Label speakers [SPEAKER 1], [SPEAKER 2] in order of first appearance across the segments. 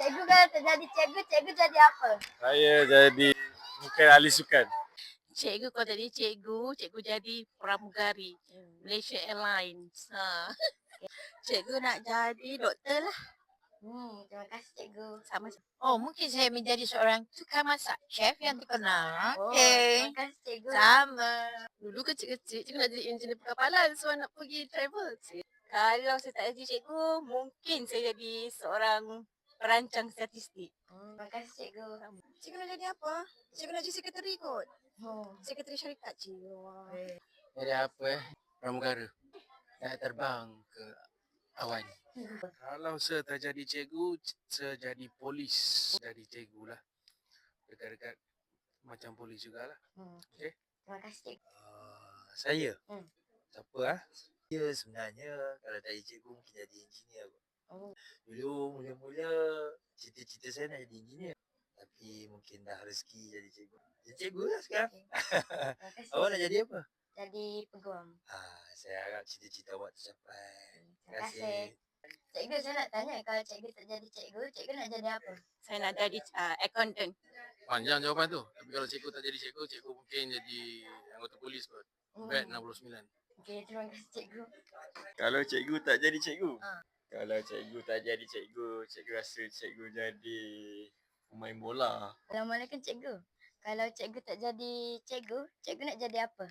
[SPEAKER 1] Cikgu kalau tak jadi cikgu, cikgu jadi apa?
[SPEAKER 2] Saya jadi mungkin ahli sukan.
[SPEAKER 3] Cikgu kalau jadi cikgu, cikgu jadi pramugari Malaysia Airlines. Cikgu nak jadi doktor lah.
[SPEAKER 1] Terima kasih cikgu.
[SPEAKER 3] Sama. Oh, mungkin saya menjadi seorang tukang masak, chef yang terkenal.
[SPEAKER 1] Terima kasih cikgu.
[SPEAKER 3] Sama. Dulu kecil-kecil, cikgu nak jadi engineer perkapalan sebab nak pergi travel. Kalau saya tak jadi cikgu, mungkin saya jadi seorang perancang statistik.
[SPEAKER 1] Terima kasih cikgu.
[SPEAKER 3] Cikgu nak jadi apa? Cikgu nak jadi sekretari kot. Sekretari syarikat, cikgu.
[SPEAKER 2] Jadi apa pramugara. Nak terbang ke awan. Kalau saya tak jadi cikgu, saya jadi polis. Jadi cikgu lah. Dekat-dekat macam polis jugalah. Okey.
[SPEAKER 1] Terima kasih cikgu.
[SPEAKER 2] Saya? Siapa ah?
[SPEAKER 4] Ya sebenarnya kalau tak jadi cikgu mungkin jadi engineer kot. Dulu mula-mula cita-cita saya nak jadi engineer. Tapi mungkin dah rezeki jadi cikgu. Jadi cikgu lah sekarang.
[SPEAKER 1] Terima kasih.
[SPEAKER 4] Awak nak jadi apa?
[SPEAKER 1] Jadi peguam.
[SPEAKER 4] Saya harap cita-cita awak tercapai.
[SPEAKER 1] Terima kasih. Cikgu, saya nak tanya, kalau cikgu tak jadi cikgu, cikgu nak jadi apa?
[SPEAKER 3] Saya nak jadi accountant.
[SPEAKER 2] Panjang jawapan tu. Tapi kalau cikgu tak jadi cikgu, cikgu mungkin jadi anggota polis kot. Bet 69.
[SPEAKER 1] Okey, terima kasih cikgu.
[SPEAKER 5] Kalau cikgu tak jadi cikgu? Kalau cikgu tak jadi cikgu, cikgu rasa cikgu jadi pemain bola.
[SPEAKER 1] Assalamualaikum cikgu. Kalau cikgu tak jadi cikgu, cikgu nak jadi apa?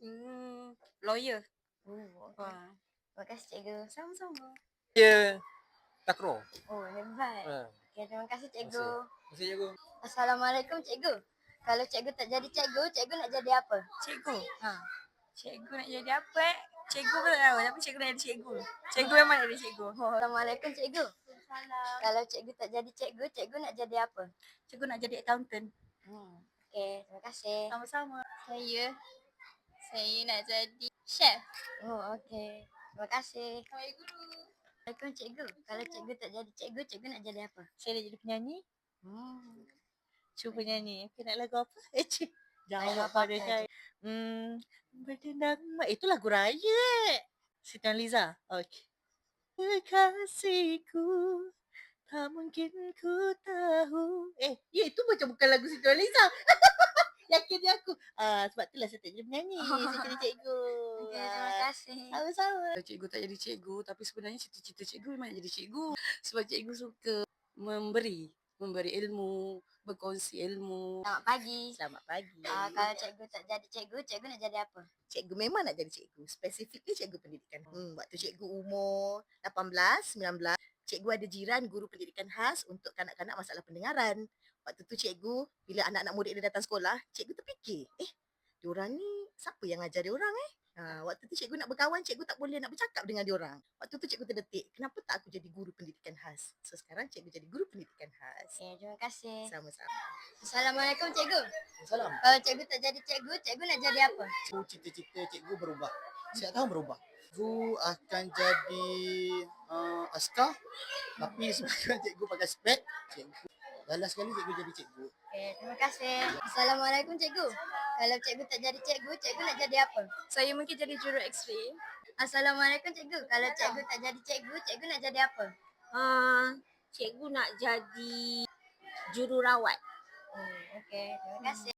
[SPEAKER 3] Lawyer.
[SPEAKER 1] Okay. Terima kasih cikgu.
[SPEAKER 3] Sama-sama.
[SPEAKER 2] Ya, takraw.
[SPEAKER 1] Hebat. Okey, terima kasih cikgu.
[SPEAKER 2] Terima kasih cikgu.
[SPEAKER 1] Assalamualaikum cikgu. Kalau cikgu tak jadi cikgu, cikgu nak jadi apa?
[SPEAKER 3] Cikgu. Cikgu nak jadi apa? Cikgu pun tak tahu, tapi cikgu nak jadi cikgu. Cikgu memang nak jadi cikgu.
[SPEAKER 1] Assalamualaikum cikgu. Kalau cikgu tak jadi cikgu, cikgu nak jadi apa?
[SPEAKER 3] Cikgu nak jadi accountant.
[SPEAKER 1] Okey, terima kasih.
[SPEAKER 3] Sama-sama.
[SPEAKER 6] Saya nak jadi chef.
[SPEAKER 1] Okey. Terima kasih.
[SPEAKER 6] Saya guru.
[SPEAKER 1] Assalamualaikum cikgu. Kalau cikgu tak jadi cikgu, cikgu nak jadi apa?
[SPEAKER 3] Saya nak jadi penyanyi. Cuba nyanyi. Okay, nak lagu apa? Jawab pada saya. Berdendang. Itu lagu raya. Siti Nurhaliza. Okey. Kekasihku, tak mungkin ku tahu. Ya itu macam bukan lagu Siti Nurhaliza. Yakin dia aku. Sebab itulah saya tak jadi penyanyi. Saya jadi cikgu.
[SPEAKER 1] Okey, terima kasih.
[SPEAKER 3] Sama-sama.
[SPEAKER 7] Cikgu tak jadi cikgu, tapi sebenarnya cita-cita cikgu memang nak jadi cikgu. Sebab cikgu suka memberi ilmu, berkongsi ilmu.
[SPEAKER 1] Selamat pagi.
[SPEAKER 3] Selamat pagi.
[SPEAKER 1] Kalau cikgu tak jadi cikgu, cikgu nak jadi apa?
[SPEAKER 3] Cikgu memang nak jadi cikgu. Spesifiknya cikgu pendidikan. Waktu cikgu umur 18, 19, cikgu ada jiran guru pendidikan khas untuk kanak-kanak masalah pendengaran. Waktu tu cikgu, bila anak-anak murid dia datang sekolah, cikgu terfikir, diorang ni siapa yang ajar diorang waktu tu cikgu nak berkawan, cikgu tak boleh nak bercakap dengan diorang. Waktu tu cikgu terdetik, kenapa tak aku jadi guru pendidikan khas? So sekarang cikgu jadi guru pendidikan khas.
[SPEAKER 1] Okey, terima kasih.
[SPEAKER 3] Sama-sama.
[SPEAKER 1] Assalamualaikum cikgu.
[SPEAKER 4] Salam.
[SPEAKER 1] Kalau cikgu tak jadi cikgu, cikgu nak jadi apa?
[SPEAKER 4] Cita-cita cikgu berubah. Setiap tahun berubah. Cikgu akan jadi askar. Tapi sebabkan cikgu pakai spek, cikgu last sekali cikgu jadi cikgu.
[SPEAKER 1] Okey, terima kasih. Assalamualaikum cikgu. Kalau cikgu tak jadi cikgu, cikgu nak jadi apa?
[SPEAKER 6] Saya mungkin jadi juru X-ray.
[SPEAKER 1] Assalamualaikum cikgu. Kalau cikgu tak jadi cikgu, cikgu nak jadi apa?
[SPEAKER 3] Cikgu nak jadi jururawat.
[SPEAKER 1] Okey, terima kasih.